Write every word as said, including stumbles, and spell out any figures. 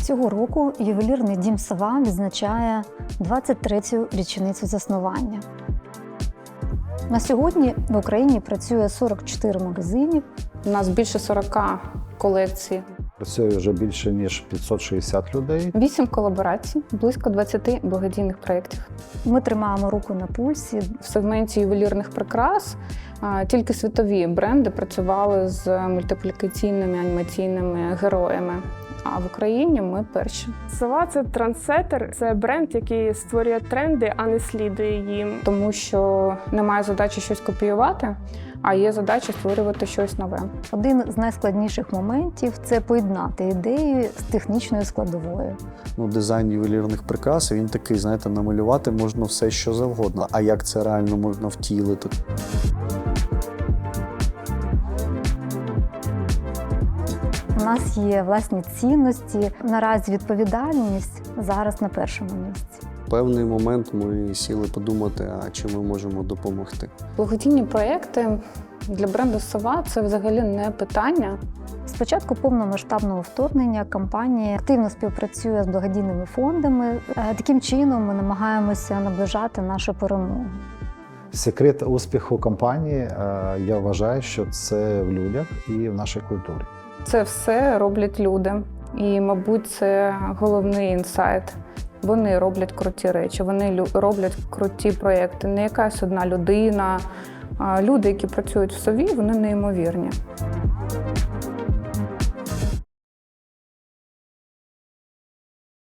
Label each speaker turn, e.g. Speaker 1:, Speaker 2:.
Speaker 1: Цього року ювелірний дім «Сова» відзначає двадцять третю річницю заснування. На сьогодні в Україні працює сорок чотири магазини.
Speaker 2: У нас більше сорока колекцій.
Speaker 3: Працює вже більше, ніж п'ятсот шістдесят людей.
Speaker 2: Вісім колаборацій, близько двадцяти благодійних проєктів.
Speaker 1: Ми тримаємо руку на пульсі.
Speaker 2: В сегменті ювелірних прикрас а, тільки світові бренди працювали з мультиплікаційними анімаційними героями. А в Україні ми перші.
Speaker 4: Сова – це трендсеттер, це бренд, який створює тренди, а не слідує їм.
Speaker 2: Тому що немає задачі щось копіювати, а є задача створювати щось нове.
Speaker 1: Один з найскладніших моментів – це поєднати ідею з технічною складовою.
Speaker 5: Ну, дизайн ювелірних прикрас, він такий, знаєте, намалювати можна все, що завгодно. А як це реально можна втілити?
Speaker 1: У нас є власні цінності. Наразі відповідальність зараз на першому місці.
Speaker 5: В певний момент ми сіли подумати, а чи ми можемо допомогти.
Speaker 2: Благодійні проєкти для бренду «Сова» – це взагалі не питання.
Speaker 1: З початку повномасштабного вторгнення компанія активно співпрацює з благодійними фондами. Таким чином ми намагаємося наближати нашу перемогу.
Speaker 3: Секрет успіху компанії, я вважаю, що це в людях і в нашій культурі.
Speaker 2: Це все роблять люди. І, мабуть, це головний інсайт. Вони роблять круті речі, вони роблять круті проєкти. Не якась одна людина. Люди, які працюють в «Сові», вони неймовірні.